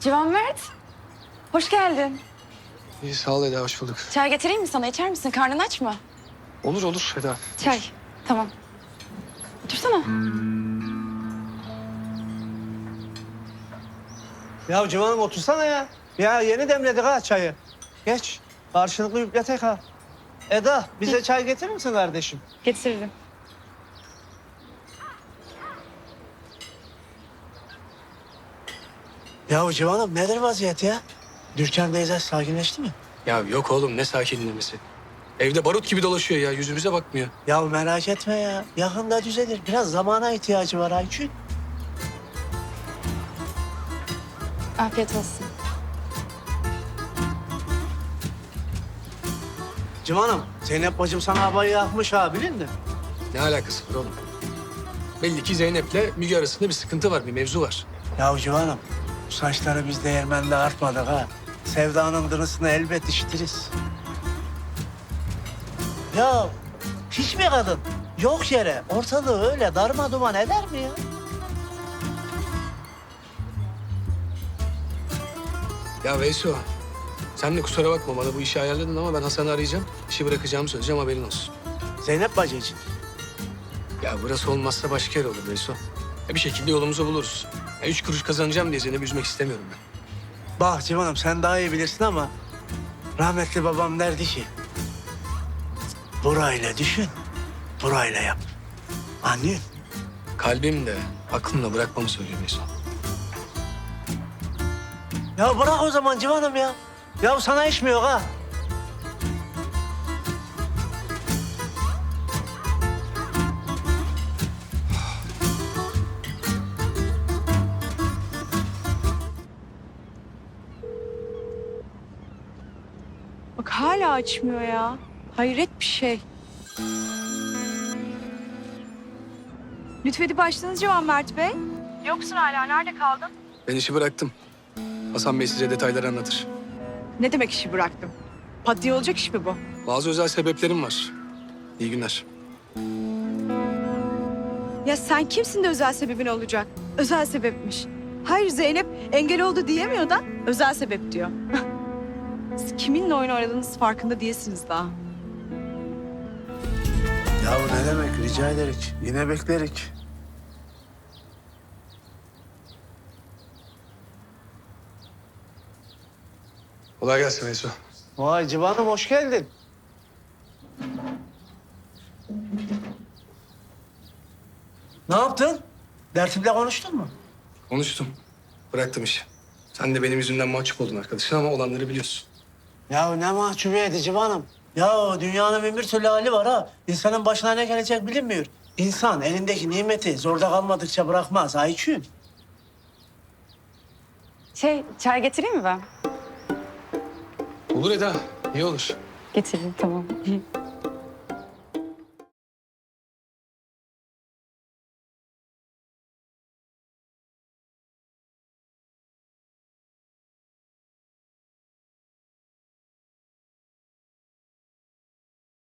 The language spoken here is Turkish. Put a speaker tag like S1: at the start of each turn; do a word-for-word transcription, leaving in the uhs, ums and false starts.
S1: Civan Mert, hoş geldin.
S2: İyi sağ ol Eda, hoş bulduk.
S1: Çay getireyim mi sana? İçer misin? Karnın aç mı?
S2: Olur olur Eda.
S1: Çay, tamam. Otursana.
S3: Ya Civan'ım otursana ya. Ya yeni demledik ha çayı. Geç. Karşılıklı yükletek ha. Eda bize çay getirir misin kardeşim?
S1: Getiririm.
S3: Ya Civan'ım nedir vaziyet ya? Dürken teyze sakinleşti mi?
S2: Ya yok oğlum, ne sakinlemesi. Evde barut gibi dolaşıyor ya, yüzümüze bakmıyor.
S3: Ya merak etme ya. Yakında düzelir. Biraz zamana ihtiyacı var Ayçin.
S1: Afiyet olsun.
S3: Civan'ım Zeynep bacım sana havayı yakmış ha bilin mi?
S2: Ne alakası var oğlum? Belli ki Zeynep'le Müge arasında bir sıkıntı var, bir mevzu var.
S3: Ya Civan'ım bu saçları biz değirmende artmadık ha. Sevdanın dırısını elbet işitiriz. Ya hiç mi kadın yok yere ortalığı öyle darma duman eder mi ya?
S2: Ya Veyso, sen de kusura bakma, bana bu işi ayarladın ama ben Hasan'ı arayacağım. İşi bırakacağımı söyleyeceğim, haberin olsun.
S3: Zeynep bacı için.
S2: Ya burası olmazsa başka yer olur Veyso. Ya bir şekilde yolumuzu buluruz. Ya üç kuruş kazanacağım diye Zeynep'i üzmek istemiyorum ben.
S3: Bak Civan'ım sen daha iyi bilirsin ama rahmetli babam derdi ki burayla düşün, burayla yap. Anlıyorsun?
S2: Kalbim de aklımla bırakmamı söylüyor Veyso.
S3: Ya bırak o zaman Civan'ım ya. Ya sana iş mi yok ha?
S4: Bak hala açmıyor ya. Hayret bir şey. Lütfedip açtınız Civan Mert Bey. Yoksun hala. Nerede kaldın?
S2: Ben işi bıraktım. Hasan Bey size detayları anlatır.
S4: Ne demek işi bıraktım? Pat diye olacak iş mi bu?
S2: Bazı özel sebeplerim var. İyi günler.
S4: Ya sen kimsin de özel sebebin olacak? Özel sebepmiş. Hayır Zeynep engel oldu diyemiyor da özel sebep diyor. Siz kiminle oyun oynadığınız farkında değilsiniz daha.
S3: Ya ne demek rica ederik. Yine beklerik.
S2: Kolay gelsin Veyso.
S3: Vay Civan'ım hoş geldin. Ne yaptın? Dertimle konuştun mu?
S2: Konuştum. Bıraktım işi. Sen de benim yüzümden mahcup oldun arkadaşın ama olanları biliyorsun.
S3: Ya ne mahcubiyeti Civan'ım. Ya dünyanın bin bir türlü hali var ha. İnsanın başına ne gelecek bilinmiyor. İnsan elindeki nimeti zorda kalmadıkça bırakmaz Ayçün.
S1: Şey, çay getireyim mi ben?
S2: Olur Eda, iyi olur.
S1: Getireyim, tamam.